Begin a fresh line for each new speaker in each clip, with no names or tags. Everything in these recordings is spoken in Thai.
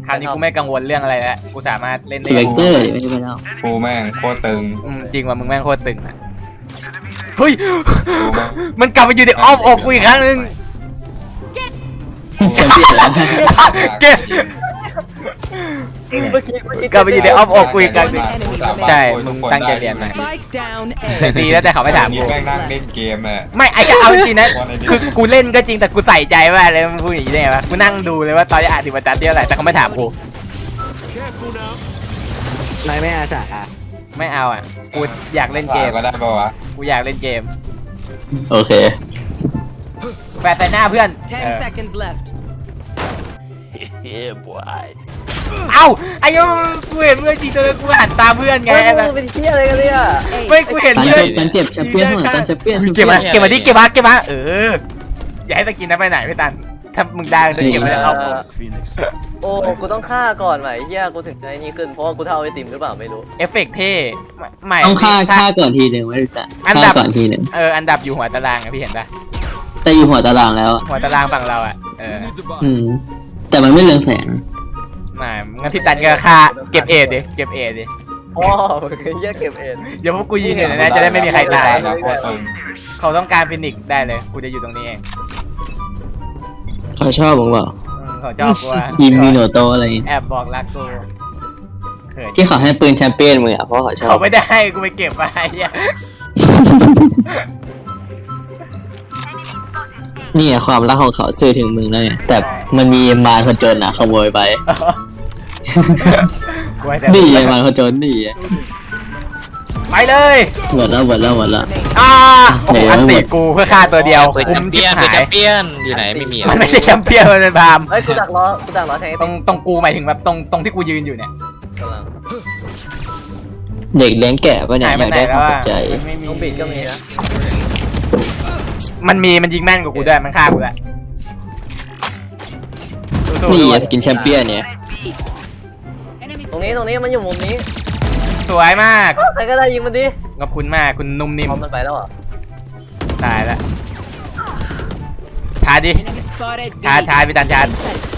คราวนี้กูไม่กังวลเรื่องอะไรแล้วกูสามารถเล่น
ส
ได้
เปกเตอร์ไม่ใช่ไปแล้ว
กูแม่งโคตรตึง
จริงว่ามึงแม่งโคตรตึงอะเฮ้ย
กูแม่ง
มันกลับมาอยู่ในอ้อมอกกูอีกครั้งนึง
แชมเปี้ยนแล้ว
เก็บ
เมื่อกี้
กลับไปอยู่ในอ้อมอกกูอีกครั้งนึง
กูสามารถ
ใช่
โวย
มึ
ทุ
ง
กคน
ตั้งใจ
ได้
เรียนมา
Spike down
แต่
A.
ดีแล้วแต่เขาไม่ถาม
นี่
กู
แม่งนั่งเล่นเกมอ่ะ
ไม่ไอ้จะเอาจริงๆนะคือกูเล่นก็จริงแต่กูใส่ใจมากเลยมึงพูดอย่างนี้ได้ไงวะกูนั่งดูเลยว่าตอนที่อ่านถึงบรรทัดเดียวอะไรแต่เขาไม่ถามกู
นายไม่อาสา
ไม่เอาอ่ะกูอยากเล่นเกม
ก็ได้ปะวะ
กูอยากเล่นเกม
โอเค
แปะใส่หน้าเพื่อน
10 seconds left.
เอ้าไอ้ยังกูเห็นเพื่อนจริงตัวกูหันตามเพื่อนไง
เฮ้ยมึงเป็นเที่ยอะไรกันเนี่ย
ไม่กูเห็น
ตัน
เพื่อน
เจ็บตันเจ็บแชมเปี้ยนข้างหลังตันแชมเปี้ยน
เก็บมาเก็บมาดิเก็บมาเก็บมาอย่าให้ตะกินนะไปไหนพี่ตันถ้ามึงได้จะเก็บมาเอา
โอ้กูต้องฆ่าก่อนไหมเฮียกูถึงจะไอ้นี่ขึ้นเพราะว่ากูเท่าไอติมหรือเปล่าไม่รู้
เอฟเฟกต์เท่ใหม่
ต้องฆ่าก่อนทีหนึ่งไม่รู้จัก
อันดั
ฆ่า
บ
ก่อนทีหนึ่ง
อันดับอยู่หัวตารางอะพี่เห็นปะ
แต่อยู่หัวตารางแล้วอะ
หัวตารางฝั่งเราอะ
อืมแต่มันไม่เรืองแสง
ไม่งั้นพี่ตันก็ค่าเก็บเอทดิเก็บเอทดิ
พ่อเฮียเก็บเอ็น
เดี๋ยวพวกกูยิงเลยนะจะได้ไม่มีใครตาย
โคตรตึง
เขาต้องการฟินิกซ์ได้เลยกูจะอยู่ตรงนี้เอง
เขาชอบผมเปล่า
เขาชอบกูว่า
ทีมมิโนโตะอะไร
แอบบอกรักกูเขิน
ที่เขาให้ปืนแชมเปี้ยนมึงอ่ะเพราะเขาชอ
เขา
บ
ไม่ได้ให้กูไปเก็บไว้อะ
นี่อะความรักของเขาสื่อถึงมึงแล้วไงแต่มันมีมารผจญอ่ะขโมยไป
กูให้แต่
นี่ไงมารผจญนี่ไง
ไปเลย
หมดแล้ว
โอ้โหอันติกูเพื่อฆ่าตัวเดียว
เปิด
คุ้
แช
ม
ม
ชิ
เปี้
บ
ยนเปิด
หา
แช
ย
มเปี้ยนอยู่ไหนไม่มีอะ
มันไม่ใช่แชมเปี้ยนมันเป็นพาม
เฮ้ยกูดักล้อแทงไอ
ตร
ติ
ง
ม
ตรงกูหมายถึงแบบตรงที่กูยืนอยู่เนี่ย
กำลัง
เด็กเลี้ยงแกะปะเนี่ย
หาย
อ
ไป
ยาก
ไหน
ได้ค
แล้ว
วามส
อะ
นใจ
มันไม่มี
น้องบีดก็มีนะ
มันยิงแม่นกว่ากูด้วยมันฆ่ากูด้วยสู้ๆ
นี่
ด้วย
อะกินแชมเปี้ยนเนี่ย
ตรงนี้มันอยู่มุมนี้
สวยมาก
ใครก็ได้ยิงมันดิ
ขอบคุณมากคุณนุ่มนิ่ม
พร้อมมันไปแล้วเหรอ
ตายแล้วชาร์จดิ
Enemy spotted.
ชาร์จพี่ตันชาร์จ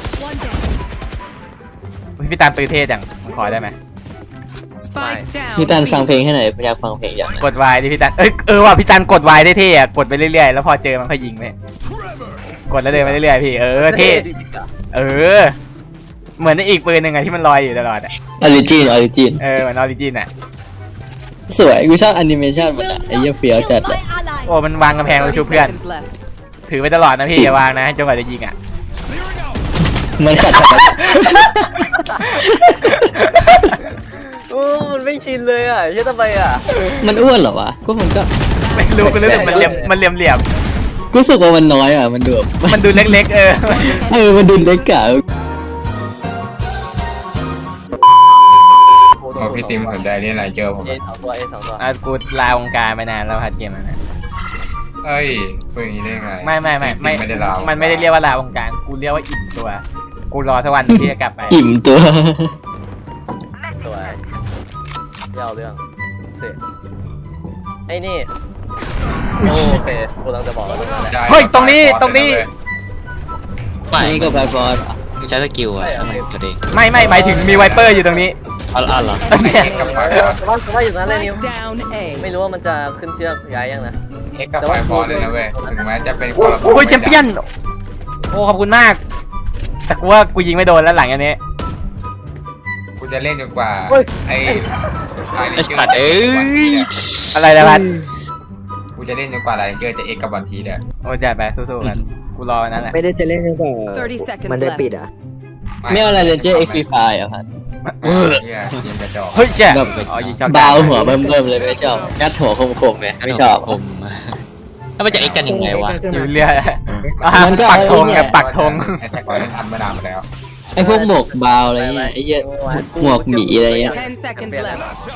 อุ๊ยพี่ตันปืนเท่จังมันขอได้ไหม
Spike down.
พี่ตันฟังเพลงให้หน่อยอยากฟังเพลงอย่าง
กดวายดิพี่ตันว่ะพี่ตันกดวายได้เท่อะกดไปเรื่อยๆแล้วพอเจอมันก็ยิงไปกดแล้วเดินไปเรื่อยๆพี่เท่เหมือนในอีกปืนหนึ่งอะที่มันลอยอยู่ตลอดอะ
ออริจิน
เหมือนออริจินอะ
สวยกูชอบแอนิเมชันมันอะไอ้เหี้ยเฟี้ยวจัดเลย
โอ้มันวางกำแพงแล้ว
30
ชุบเพื่อน
seconds left.
ถือไปตลอดนะพี่อย่าวางนะจนกว่าจะยิงอะ
มันขัดธรรมชาติ
โอ้มันไม่ชินเลยอ่ะเฮียทำไมอ่ะ
มันอ้วนเหรอวะก็มันก็
ไม่รู้กูรู้สึกมันเหลี่ยม
กูรู้สึกว่ามันน้อยอ่ะมันดูแบบ
มันดูเล็กๆ
มันดูเล็กกะ
พอพี่ติมสนใจเล่นอะไรเจอผม
เอสองตัว
กูลาวงการไปนานแล้วพัดเกมมันนะ
เอ้ยพูดอย่างนี้ได้ไง
ไม่
ไม่ได้ลาว
มันไม่ได้เรียกว่าลาวงการกูเรียกว่าอิ่มตัวกูรอสักวันที่จะกลับไป
อิ่มตัว
สวยยาวเรื่องเสร็จไอ้นี่โอเคกูกำลังจะบอกว่าตรงนั้นแหละ
เฮ้ยตรงนี้
ไม่
นี่ก็ไฟฟอร์ด
มึงใช้สกิลอะทำไมกระเด้ง
ไม่หมายถึงมีไวเปอร์อยู่ตรงนี้
อ๋อเหรอ
เนี่ย
เอ็กกับไฟ
ว่าอยู่นั้นเลยนิว
Spike down A.
ไม่รู้ว่ามันจะขึ้นเชือกย้ายยังนะ
เอ็กกับไฟฟอร์เลยนะเว้ยถึงแม้จะเป็นคนละ
โอ้ยแชมเปี้ยนโอ้ขอบคุณมาก แต่กูว่ากูยิงไม่โดนแล้วหลังอันนี้
กูจะเล่นจนกว่าไอ้
ไอ้สัตว์เอ้ย
อะไรนะพัด
กูจะเล่นจนกว่าอะไรเจอจะเอ็กกับบอลทีเด้อ
โอ้จัดไปสู้ๆกันกูรอวันนั้นแหละ
ไม่ได้จะเล่นกันก่อน
30 seconds
มันได้
left.
ปิดอ่ะ
ไม่เอาอะไรเลนเจอร์เอ็กซ์ฟรีไฟอ่ะพัด
เฮียเกมกระจอก
เฮ้ยเจ๊
แบบ
อ๋อยิงช็อต
เบาหัวเบิ่มๆเลยไม่ชอบงัดหัวคมๆเลยไม่ชอบ
ผมแล้วมันจะเอ็กกันยังไงวะ
อยู่เรื่อย
มันก็
ปักธง
เนี่ย
กับปักธง
ไอ้แท็กก่อนเล่นทำมานานมาแล้ว
ไอ้พวกหมวกเบาอะไรเงี้ยไอ้เหี้ยหมวกหมีอะไรเงี้ย
10 seconds left.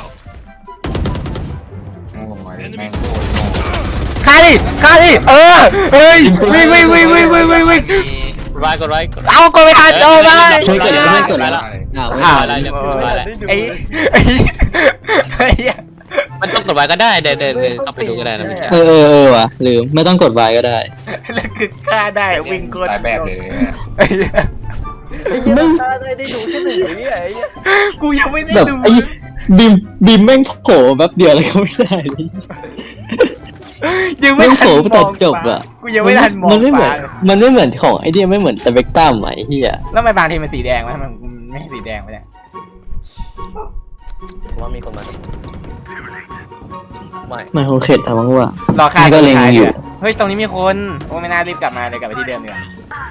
โง่แม่งโง่
ฆ่าดิเฮ้ยวิ่ง
กดไว้กดไว้กดไว้
เอากดไปทันเอาไป
เฮ้ยกดแล้วกดแล้วอ้าว
อ้าว
ได้เดี๋ยวกดไว้แล้ว
ไอ้
มันต้องกดไว้ก็ได้เดี๋ยวเข้าไปดูก็ได้นะไม่ใช่
ว่ะลืมไม่ต้องกดไวก็ได้
แล้วคือฆ่าได้วิ่งกด
ตายแบบเลย
ไอ้เหี้ยตาได้ดูแค่หนึ่งวิไอ้เหี้ย
กูยังไม่ได้
แบบ
ดู
ไอ้บีมแม่งโผล่แป๊บเดียวอะไรก็ไม่ได้เลย
ยังไม่
แม่ง
ทั
โผ
น
ล่
ม
ตั
อ
ด
ง
จบอะ
กูยังไม่ทันมอง
มันไม่เหมือน
ฟ้าเลย
มันไม่เหมือนของไอเดียไม่เหมือนสเปกตรัมไหมเฮีย
แล้วทำไมบางทีมันสีแดงวะมันไม่ใช่สีแดงวะเนี่ย
ว่ามีคนมาไม่
มันคงเข็ดเอามั้งว่ะ
รอค่า
นี่ก็เล็งอยู่
เฮ้ยตรงนี้มีคนโอ้ไม่น่ารีบกลับมาเลยกลับไปที่เดิมดีกว่า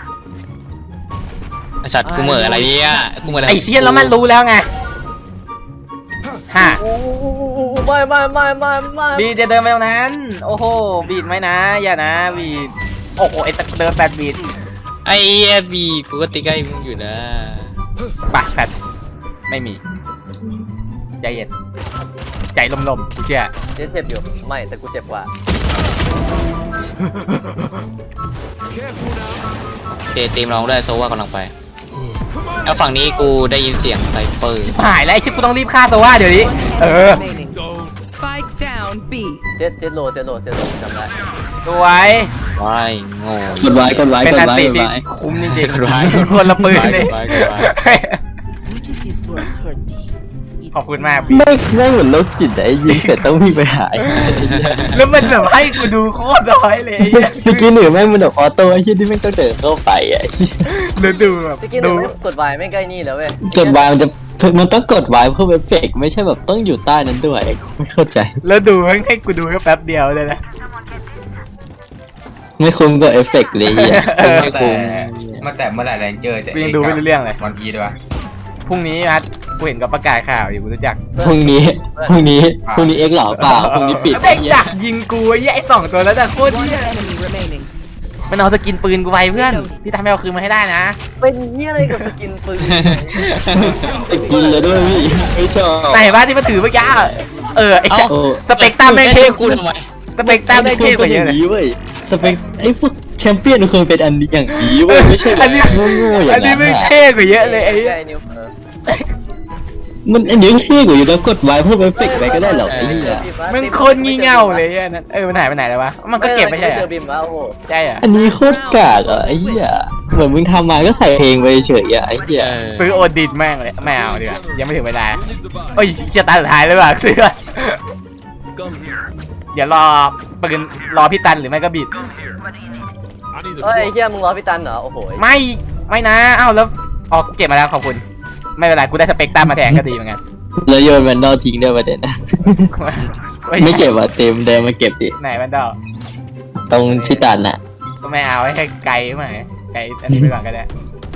ไอ้สัตว์กูเหม่ออะไรเนี่ยกูเหม่ออะไร
ไอ้เชี่ยแล้วมันรู้แล้วไงฮะ
ไม่
บีดจะเดินไปตรงนั้น โอ้โหบีดไหมนะอย่านะบีดโอ้โหไอ้ตะเดิน8บีด
ไอ้เหี้ยบีกูก็ติ๊กไอ้มึงอยู่นะ
ปากแฟดไม่มีใจเย็นใจลมๆกูเชื่อ
เจ็บอยู่ไม่แต่กูเจ็บกว่า
เจตีมร้องด้วยโซว่ากำลังไปแล้วฝั่งนี้กูได้ยินเสียงไซเฟอร์
หายแล้วไอ้ชิบกูต้องรีบฆ่าตัวว่าเดี๋ยวนี้
Remaining. Spike down B.
เจ็ดโลจำได้
สวย
ว้ายโง่
กดไว้กดไว้
เป็น
กด
อัน
ไว้
ตี
กด
ที่
ไว้
คุ้มจริง
กดไว้
ๆคนละปืนเลย
กดไว้กดไว้
ขอบคุณมาก
ไม่เหมือนโรคจิตอะไอ้ยิงเสร็จต้องวิ่งไปหาย
แล้วมันแบบให้กูดูโคตรน้อยเลย
สกินหนึ่งแม่งมันแบบออโต้ไอ้เหี้ยที่แม่งต้องเดินเข้าไปอะไอ้เหี้ย
แล้วดูแบบ
สกินห
ดู
นึ่งกดวายไม่ใกล้นี่แล้วเว้ย
กดไว้มันต้องกดไว้เพื่อเอฟเฟกต์ไม่ใช่แบบต้องอยู่ใต้นั้นด้วยกูไม่เข้าใจ
แล้วดูให้กูดูแค่แป๊บเดียวเลยนะ
ไม่คุ้มกับเอฟเฟกต์เลยเหี้ย
ไม่คุ้ม
มาแต่เมื่อไหร่แรงเจอจะ
กูยังดูไม่รู้เรื่องเลย
วันพีด้วยวะ
พรุ่งนี้นัดกูเห็นกับประกาศข่าวอยู่กูรู้จัก
พรุ่งนี้เอ็กซ์เหล่าเปล่าพรุ่งนี้ปิด
เด็กดักยิงกูไอ้สองตัวแล้วแต่โคตร
One
เหี้ย
enemy remaining.
มันเอาสกินปืนกูไปเพื่อนพี่ทำให้เอาคืนมาให้ได้นะ
เป็นเหี้ยอะไรกับสกินปืน
กินเลยด้วยพี่ไม่ชอบ
ไหนวะที่มาถือเมื่อกี้ไอ้
โอ้
สเปกตรัมแม่งเทพ
กูทำไม
สเปกตรัมแม่งเทพกว่าเยอะเลย
เว้ยสเปคไอ้พวกแชมเปี้ยนควรเป็นอันนี้อย่างนี้เว้ยไม่ใช่แบบ
อันนี้
โง่ๆอย่า
อัน
ง
นี้
นั้น
ไม่ง
อะ
เท่กว่าเยอะเลยไอ้
ใกล้นิ้ว
มันอันนี้เท่กว่าอยู่แล้วกดไว้เพื่อเอฟเฟกต์ไปก็ได้หรอกไอ้เหี้ย
มันโคตรงี่เง่าเลยอันนั้นมันหายไปไหนแล้ววะมันก็เก็บไม่ใช่
เจ
เหร
อ
อ
บิมแล้วโอ้โห
ใช่เหรอ
อันนี้โคตรกากอ่ะไอ้เหี้ยเหมือนมึงทำมาก็ใส่เพลงไปเฉยอ่ะไอ้เหี้ย
ซื้อโอดินแม่งเลยไม่เอาดีกว่ายังไม่ถึงเวลาโอ้ยเชียร์ตาสุดท้ายเลยว่ะซื้อเดี๋ยวปืนรอพี่ตันหรือไม่ก็บิด
เฮ้ยไอ้เหี้ยมึงรอพี่ตันเหรอโอ้โห
ไม่นะอ้าวแล้วออกเก็บมาแล้วขอบคุณไม่เป็นไรกูได้สเปกตรัมมาแทนก็ดีเหมือนกัน
แล้วโยนแวนดอลทิ้งด้วยประเด็นนะไม่เก็บอ่ะเต็มเดินมาเก็บดิ
ไหนมันดอก
ตรงที่ตันอ่ะ
ก็ไม่เอาให้ไกลมาไกลอันนี้ไปก่อนก็ได้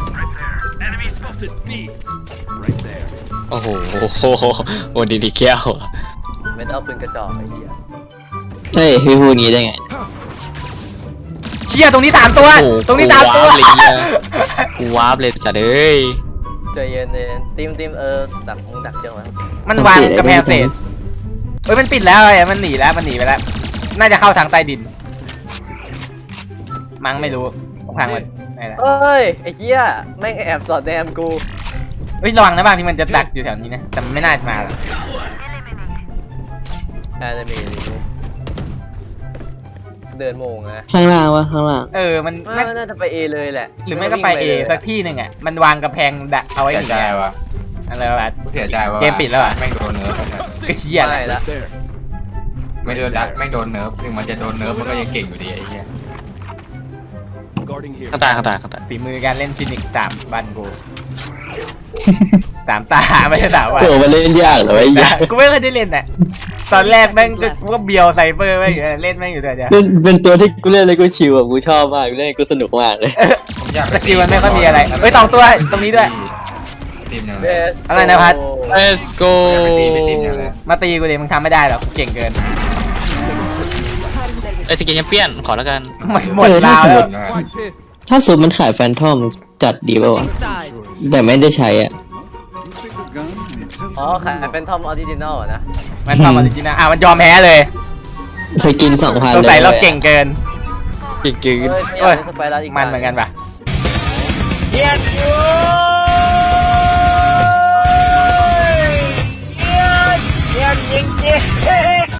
โอ้โหโอ้ดีแก้ว
ไม่ต้องเอาปืนกระจอกไอ้เหี้ย
เฮ้ยพี่พูดงี้ได้ไง
เชี่ยตรงนี้3ตัวตรงนี้3ตัว
กูวาร์ปเลยจัดเอ้ย
ใจเย็นทีมดักมึงดักเชือกไว้
มันวางกระแพงเศษเฮ้ยมันปิดแล้วไอ้มันหนีแล้วมันหนีไปแล้วน่าจะเข้าทางใต้ดินมั้งไม่รู้พังมันไหนล่ะ
เฮ้ยไอ้เหี้ยแม่งแอบสอดแนมกู
เฮ้ยระวังนะบางที่มันจะดักอยู่แถวนี้นะแต่มันไม่น่าจะมาหรอก
น่าจะมีเดินโมงนะ
ข้างล่างวะข้างล่าง
มัน
ไม่น่าจะไปเอเลยแหละ
หรือไม่ก็ไปเอสักที่หนึ่งอ่ะมันวางกระแพงดักเอาไว้อ
เสีย
ย่าง
ใจ
เงี้ยว
ะ
อะไรวะ
เสียใจว่า
เกมปิดแล้วอะ
แม่งโดนเนิร์ฟ
ก็เชี่ย
ไม่ละ
ไม่โดนดักแม่งโดนเนิร์ฟถึงมันจะโดนเนิร์ฟมันก็ยังเก่งอยู่ดีไอ้เหี้ย
ข้างตา
ฝีมือการเล่นฟินิกส์3บ้านกู3 ตาไม่ใช่3วัน
โผล่มาเล่นยากเหรอไอ้เหี้ย
กูไม่เคยได้เล่นอ่ะตอนแรกแม่งก็เบียวไซเบอร์แม่งอยู่เล่นแม่งอยู่แต่เดียว
เป็นตัวที่กูเล่นเลยกูชิวอ่ะกูชอบมากเล่นกูสนุกมากเลย
ผมอยาก
สกิลมันไม่ค่อยมีอะไรเฮ้ย2 ตัวตรงนี้ด้วย
ทีมหนึ่ง
เบส
อะไรนะพัด
Let's go
อยากไปตีเป็นทีมหนึ่งเลย
มาตีกูดิมึงทำไม่ได้หรอกกูเก่งเกิน
ไอ้สกินแชมเปี้ยนขอแล้วกัน
หมดลาวแล้ว
ถ้าสูตรมันขายแฟนทอมจัดดีป่าวะ
Switching sides.
แต่ไม่ได้ใช้อ่ะ
อ๋อขายเป็นทอมออริจินอลนะ
มันทำออริจินัลมันยอมแพ้เลย
สกิน2,000
สง
เลย
สัยเราเก่งเกิน
จริง
เฮ้ย
เอ้ย
สไปรัสอีก
มันเหมือนกันปะ
เ